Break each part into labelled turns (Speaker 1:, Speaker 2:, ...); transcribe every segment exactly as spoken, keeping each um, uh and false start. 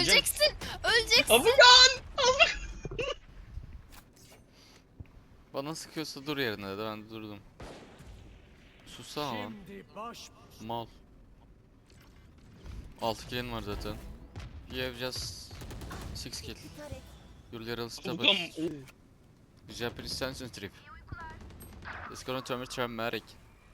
Speaker 1: Öleceksin. Öleceksin.
Speaker 2: Abukan!
Speaker 3: Bana sıkıyorsa dur yerine de ben de durdum. Sussana lan. Mal. altı kill'in var zaten. You have just six kill. Your little stubborn.
Speaker 2: Abukan!
Speaker 3: Japanese sensitive. It's gonna turn me traumatic.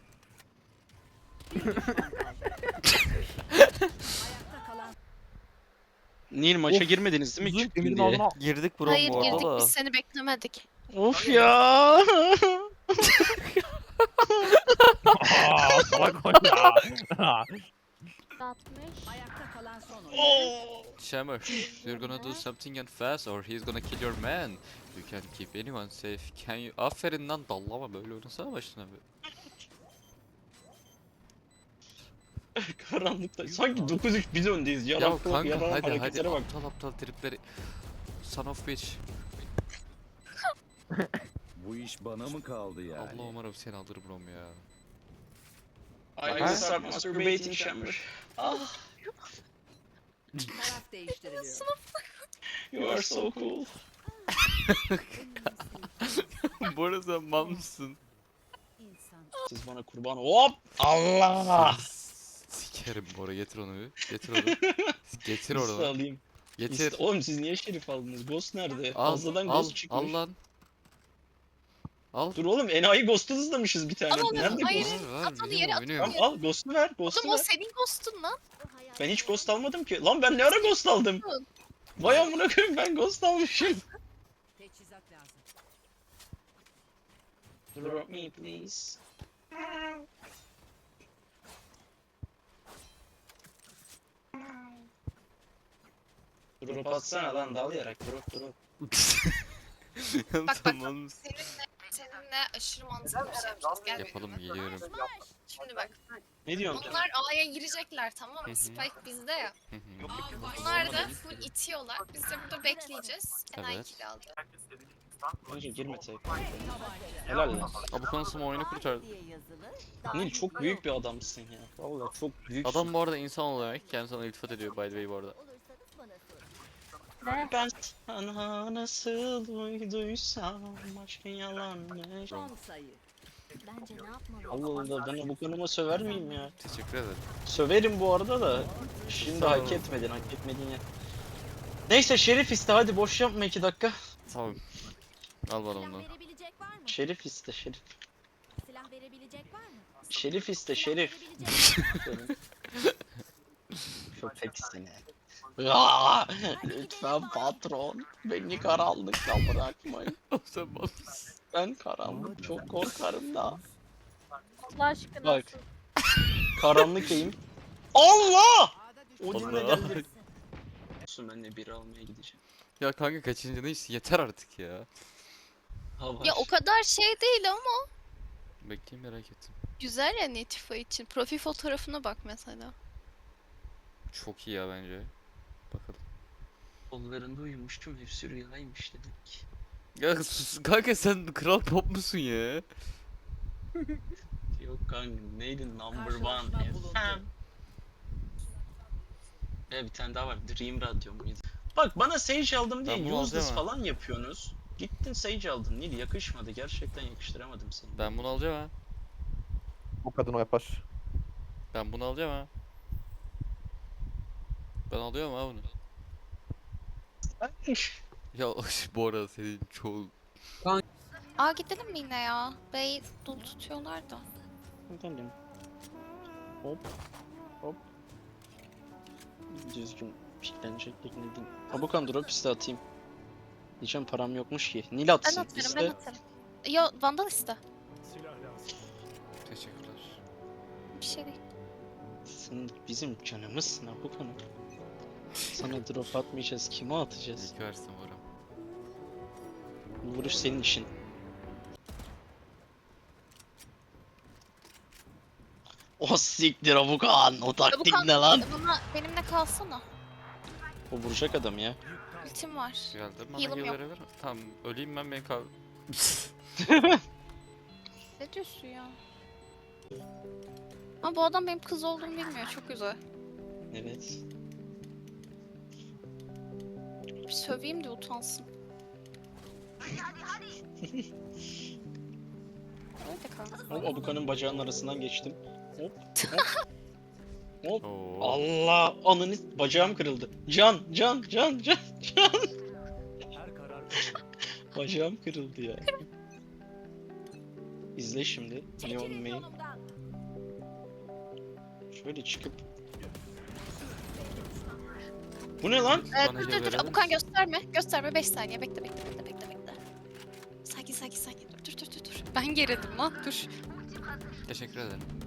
Speaker 2: Nil maça
Speaker 4: Of.
Speaker 2: girmediniz değil mi?
Speaker 4: Zınk
Speaker 2: Çıktın
Speaker 4: Emir'in
Speaker 2: diye.
Speaker 4: ağzına.
Speaker 3: Girdik bro
Speaker 1: Hayır
Speaker 3: bu arada
Speaker 1: girdik
Speaker 3: da.
Speaker 1: biz seni beklemedik.
Speaker 2: Of ya!
Speaker 4: Aaa salak o ya.
Speaker 5: altmış. Ayakta kalan son oyuncu.
Speaker 2: Oo!
Speaker 3: Shammer, you're gonna do something and fast or he's gonna kill your man. You can't keep anyone safe. Can you? Aferin lan dallama böyle oynasana başına bir.
Speaker 2: Karanlıkta. Sanki dokuz üç biz öndeyiz.
Speaker 3: Ya
Speaker 2: Yalan kulak,
Speaker 3: kanka
Speaker 2: yalan
Speaker 3: hadi hadi
Speaker 2: hareketlere bak.
Speaker 3: aptal aptal tripleri. Son of bitch.
Speaker 6: Bu iş bana mı kaldı yani?
Speaker 3: Allah umarım seni alır brom ya.
Speaker 2: I will start masturbating chamber. Ah,
Speaker 5: Taraf değiştiriliyor.
Speaker 2: you are so cool.
Speaker 3: Bu arada sen mal mısın?
Speaker 5: İnsan.
Speaker 2: Siz bana kurban. Hop! Allah!
Speaker 3: Sikerim Bora getir onu bir. Getir onu. Getir
Speaker 2: Nasıl
Speaker 3: oradan.
Speaker 2: alayım?
Speaker 3: Getir.
Speaker 2: İşte- Oğlum siz niye şerif aldınız? Ghost nerede?
Speaker 3: Al
Speaker 2: Fazladan
Speaker 3: al
Speaker 2: ghost çıkmış.
Speaker 3: al lan. Al.
Speaker 2: Dur oğlum enayi ghost'u hızlamışız bir tane.
Speaker 1: Al onu,
Speaker 2: Nerede
Speaker 1: hayır.
Speaker 2: ghost?
Speaker 3: Ver, ver,
Speaker 1: At onu
Speaker 3: biliyorum,
Speaker 1: yere, at
Speaker 3: biliyorum.
Speaker 2: Tamam al ghost'u ver. Ghost'u
Speaker 1: Oğlum o
Speaker 2: ver.
Speaker 1: senin ghost'un lan.
Speaker 2: Ben hiç ghost almadım ki. Lan ben ne ara ghost aldım? Vay amına koyayım ben ghost almışım.
Speaker 5: Teçhizat lazım.
Speaker 2: Drop me please. Drop atsana lan dalayarak drop drop.
Speaker 1: bak.
Speaker 3: Tamam mısın?
Speaker 1: Seninle, seninle aşırı mantıklı bir şey yapacağız. Gel
Speaker 3: Yapalım
Speaker 1: benimle.
Speaker 3: geliyorum.
Speaker 1: Şimdi bak.
Speaker 2: Ne diyorsun?
Speaker 1: Onlar A'ya girecekler tamam
Speaker 3: Hı hı.
Speaker 1: mı? Spike bizde ya.
Speaker 3: Hı hı.
Speaker 1: Bunlar da full itiyorlar. Biz de burada bekleyeceğiz. Enayi
Speaker 3: Evet.
Speaker 1: kill aldı.
Speaker 2: Önce girme tek. Helal lan.
Speaker 3: Abi konusum oyunu kurtardı.
Speaker 5: Diye yazılı.
Speaker 2: Nil çok büyük bir adamsın ya. Vallahi çok büyük.
Speaker 3: Adam bu arada insan olarak kendisi sana iltifat ediyor by the way bu arada.
Speaker 5: Olursanız bana sorun.
Speaker 2: Ben sana nasıl uyduysam aşkın yalanmış.
Speaker 5: Son sayı. Bence ne yapmalı?
Speaker 2: Allah Allah ben bu konuma söver miyim ya?
Speaker 3: Teşekkür ederim.
Speaker 2: Söverim bu arada da. Şimdi
Speaker 3: Sağ
Speaker 2: hak
Speaker 3: ol.
Speaker 2: etmedin, hak etmedin ya. Neyse Şerif iste hadi boş yapma iki dakika.
Speaker 3: Tamam. Al bana
Speaker 5: Silah
Speaker 3: onu.
Speaker 5: verebilecek var mı?
Speaker 2: Şerif iste Şerif.
Speaker 5: Silah verebilecek var mı?
Speaker 2: Şerif iste
Speaker 5: Silah
Speaker 2: Şerif.
Speaker 5: verebilecek var mı?
Speaker 2: Köpek seni. Aa, lütfen patron beni karanlıkta bırakmayın.
Speaker 3: Sen mal mısın?
Speaker 2: Ben karanlık çok korkarım da.
Speaker 7: Allah aşkına.
Speaker 2: Bak. Karanlık eğim. Allah! Odin'le
Speaker 3: Allah.
Speaker 2: geldi. Olsun ben de biri almaya gideceğim.
Speaker 3: Ya kanka kaçıncı neyse yeter artık ya.
Speaker 2: Ha var.
Speaker 1: Ya o kadar şey değil ama
Speaker 3: Bekleyin merak ettim.
Speaker 1: güzel ya Netifa için. Profil fotoğrafına bak mesela.
Speaker 3: Çok iyi ya bence. Bakalım.
Speaker 2: Kollarında uyumuştum hepsi rüyaymış dedik.
Speaker 3: Ya sus kanka sen kral pop musun ya?
Speaker 2: Yok kanka neydi number one
Speaker 5: Karşılaşma bulundu.
Speaker 2: F M. Ya bir tane daha var Dream Radyo muydu? Bak bana Sage aldım diye
Speaker 3: Ben bunu
Speaker 2: useless
Speaker 3: alacağım ha.
Speaker 2: falan yapıyorsunuz. Gittin Sage aldın Nil yakışmadı gerçekten yakıştıramadım seni.
Speaker 3: Ben bunu alacağım ha.
Speaker 4: Bu kadın o yapar.
Speaker 3: Ben bunu alacağım ha. Ben alıyorum ha bunu. Ya bu arada senin çoğu...
Speaker 1: Aa gidelim mi yine ya? Bey dul tutuyorlar da.
Speaker 2: Gidelim. Hop. Hop. Düzgün piklenecek tekne değil. Tabukan drop iste atayım. Diyeceğim param yokmuş ki. Nil
Speaker 1: Ben
Speaker 2: atsın.
Speaker 1: atarım
Speaker 2: iste.
Speaker 1: ben atarım. Yo Vandal iste.
Speaker 3: Teşekkürler.
Speaker 1: Bir şey değil.
Speaker 2: Sen bizim canımızsın Tabukan. Sana drop atmayacağız. Kime atacağız?
Speaker 3: İyi ki versin Bora.
Speaker 2: Bu vuruş senin işin. O siktir Abukan. O taktik
Speaker 1: Tabukan,
Speaker 2: ne lan?
Speaker 1: Bana, benimle kalsana.
Speaker 2: O vuracak adam ya.
Speaker 1: Ultim var.
Speaker 3: Geldi bana
Speaker 1: Heal'ım
Speaker 3: heal
Speaker 1: yok.
Speaker 3: verebilir. Tamam öleyim ben beni kal...
Speaker 1: Ne diyorsun ya? Ama bu adam benim kız olduğumu bilmiyor. Çok güzel.
Speaker 2: Evet.
Speaker 1: bir söveyim de utansın. Öyle kanka.
Speaker 2: Hop Abukan'ın bacağının arasından geçtim. Hop hop. Hop.
Speaker 3: Oo.
Speaker 2: Allah ananı bacağım kırıldı. Can can can can can.
Speaker 6: Her karar
Speaker 2: Bacağım kırıldı ya. İzle şimdi. Neon
Speaker 5: Çekilin
Speaker 2: main.
Speaker 5: yolumdan.
Speaker 2: Şöyle çıkıp. Bu ne lan?
Speaker 1: Ee,
Speaker 3: Bana
Speaker 1: dur
Speaker 3: gel
Speaker 1: dur dur
Speaker 3: verelim.
Speaker 1: Abukan gösterme. Gösterme beş saniye. Bekle bekle bekle bekle bekle. Sakin sakin sakin. Dur dur dur dur dur. Ben gerildim lan. Dur.
Speaker 3: Teşekkür ederim.